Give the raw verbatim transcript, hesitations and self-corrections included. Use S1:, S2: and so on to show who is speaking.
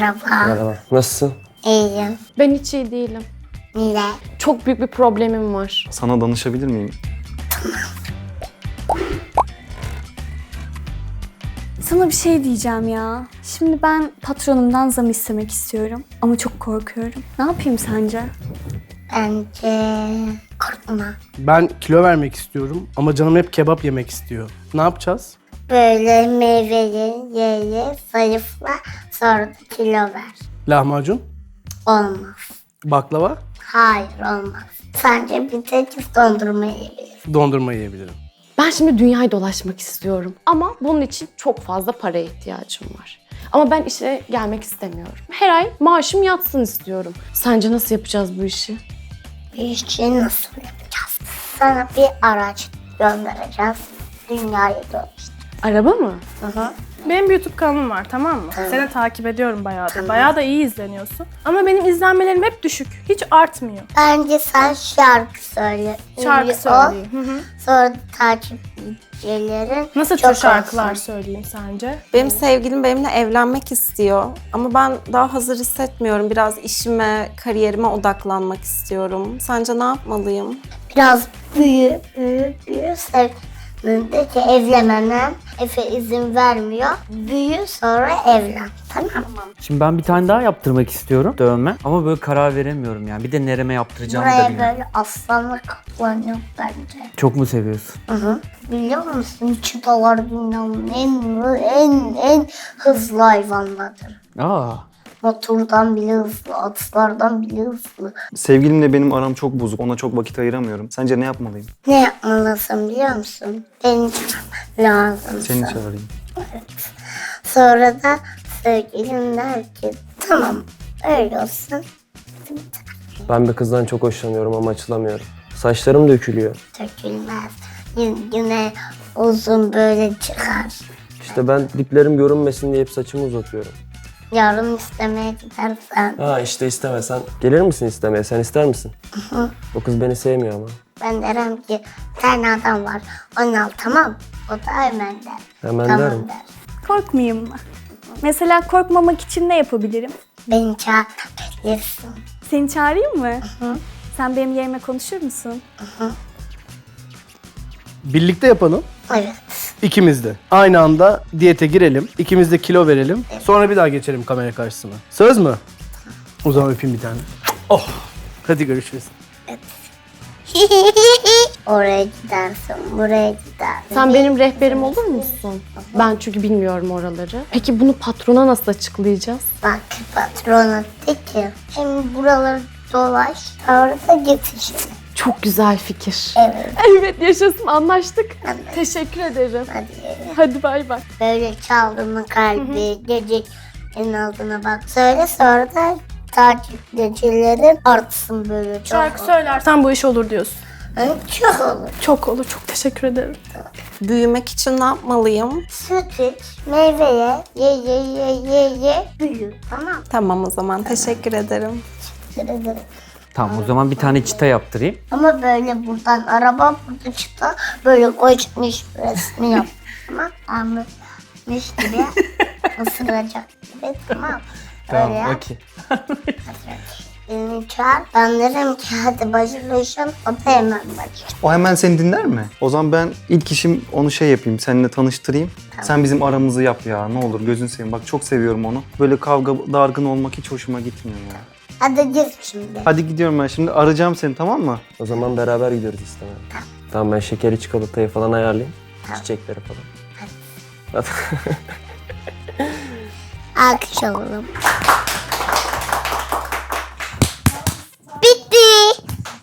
S1: Merhaba.
S2: Merhaba. Nasılsın?
S1: İyiyim.
S3: Ben hiç iyi değilim.
S1: Niye?
S3: Çok büyük bir problemim var.
S4: Sana danışabilir miyim?
S5: Sana bir şey diyeceğim ya. Şimdi ben patronumdan zam istemek istiyorum ama çok korkuyorum. Ne yapayım sence?
S1: Bence korkma.
S6: Ben kilo vermek istiyorum ama canım hep kebap yemek istiyor. Ne yapacağız?
S1: Böyle meyveli ye ye zayıfla sonra da kilo ver.
S6: Lahmacun,
S1: Olmaz.
S6: baklava,
S1: Hayır olmaz. Sadece bir tek dondurma yiyebilirsin.
S6: dondurma yiyebilirim.
S3: Ben şimdi dünyayı dolaşmak istiyorum. Ama bunun için çok fazla paraya ihtiyacım var. Ama ben işe gelmek istemiyorum. Her ay maaşım yatsın istiyorum. Sence nasıl yapacağız bu işi?
S1: Bir işi nasıl yapacağız? Sana bir araç göndereceğiz. Dünyayı dolaştır.
S3: Araba mı?
S1: Hı hı.
S7: Benim bir YouTube kanalım var, tamam mı? Seni takip ediyorum bayağıdır. Bayağı da iyi izleniyorsun. Ama benim izlenmelerim hep düşük. Hiç artmıyor.
S1: Bence sen şarkı söyle.
S7: Şarkı
S1: Ünlü ol.
S7: söyleyeyim. Hı hı.
S1: Sonra takipçilerin
S7: Nasıl
S1: çok
S7: tür şarkılar
S1: olsun.
S7: söyleyeyim sence?
S8: Benim sevgilim benimle evlenmek istiyor ama ben daha hazır hissetmiyorum. Biraz işime, kariyerime odaklanmak istiyorum. Sence ne yapmalıyım?
S1: Biraz büyü, büyü, büyü. Sevdiğinde ki evlenmem. Efe izin vermiyor. Büyü sonra evlen. Tamam mı?
S2: Şimdi ben bir tane daha yaptırmak istiyorum dövme. Ama böyle karar veremiyorum yani. Bir de nereme yaptıracağımı da
S1: Buraya
S2: bilmiyorum.
S1: böyle aslanla kaplan yok bence.
S2: Çok mu seviyorsun?
S1: Hı hı. Biliyor musun? Çitalar dünyanın en, en, en hızlı hayvanlardır.
S2: Aa.
S1: Motordan bile hızlı, atlardan bile hızlı.
S4: Sevgilimle benim aram çok bozuk. Ona çok vakit ayıramıyorum. Sence ne yapmalıyım?
S1: Ne yapmalısın biliyor musun? Beni çağırman lazım.
S4: Seni çağırayım.
S1: Sonra da sevgilin der ki tamam öyle olsun.
S2: Ben bir kızdan çok hoşlanıyorum ama açılamıyorum. Saçlarım dökülüyor.
S1: Dökülmez. Yine, yine uzun böyle çıkar.
S2: İşte ben diplerim görünmesin diye hep saçımı uzatıyorum.
S1: Yarın istemeye gidersen
S2: Ha işte istemesen. Gelir misin istemeye? Sen ister misin? O kız beni sevmiyor ama.
S1: ben derim ki bir tane adam var onu al tamam. O da hemen der.
S2: Hemen
S1: tamam
S2: derim.
S1: der.
S5: Korkmayayım mı? Mesela korkmamak için ne yapabilirim?
S1: Beni çağırabilirsin.
S5: Seni çağırayım mı? Sen benim yerime konuşur musun?
S6: Birlikte yapalım.
S1: Evet.
S6: İkimiz de. Aynı anda diyete girelim. İkimiz de kilo verelim. Sonra bir daha geçelim kamera karşısına. Söz mü? O zaman öpeyim bir tane. Oh. Hadi görüşürüz.
S1: Oraya gidersin, buraya gidersin.
S3: Sen benim rehberim olur musun? Ben çünkü bilmiyorum oraları. Peki bunu patrona nasıl açıklayacağız?
S1: Bak patrona de ki hem buraları dolaş, sonra da git işine.
S3: Çok güzel fikir.
S1: Evet.
S3: Evet yaşasın anlaştık.
S1: Evet.
S3: Teşekkür ederim.
S1: Hadi.
S3: Hadi bay bay.
S1: Böyle çaldı mı kalbi, gece en altına bak. Söyle sonra da takipçilerin artsın böyle çok.
S7: Şarkı söylersen bu iş olur diyorsun.
S1: Hı, çok olur.
S7: Çok olur, çok teşekkür ederim.
S8: Büyümek için ne yapmalıyım?
S1: Süt iç, meyveye, ye ye ye ye ye, büyü. Tamam.
S8: Tamam o zaman, teşekkür ederim.
S1: Teşekkür ederim.
S2: Tamam o zaman bir tane çita yaptırayım.
S1: Ama böyle buradan araba, burada çıta, böyle koşmuş resmi yap. Tamam. Anlatmış gibi, ısıracak gibi. Tamam. Öyle yap.
S2: okey.
S1: Beni çağır. Ben derim ki hadi başlayalım. O da hemen başlıyor.
S4: O hemen seni dinler mi? O zaman ben ilk işim onu şey yapayım, seninle tanıştırayım. Sen bizim aramızı yap ya, ne olur gözün seveyim. Bak çok seviyorum onu. Böyle kavga, dargın olmak hiç hoşuma gitmiyor ya.
S1: Hadi git şimdi.
S4: Hadi gidiyorum ben şimdi, arayacağım seni, tamam mı?
S2: O zaman beraber gidiyoruz istemeye. Tamam ben şekeri çikolatayı falan ayarlayayım. Çiçekleri falan.
S1: Alkış alalım.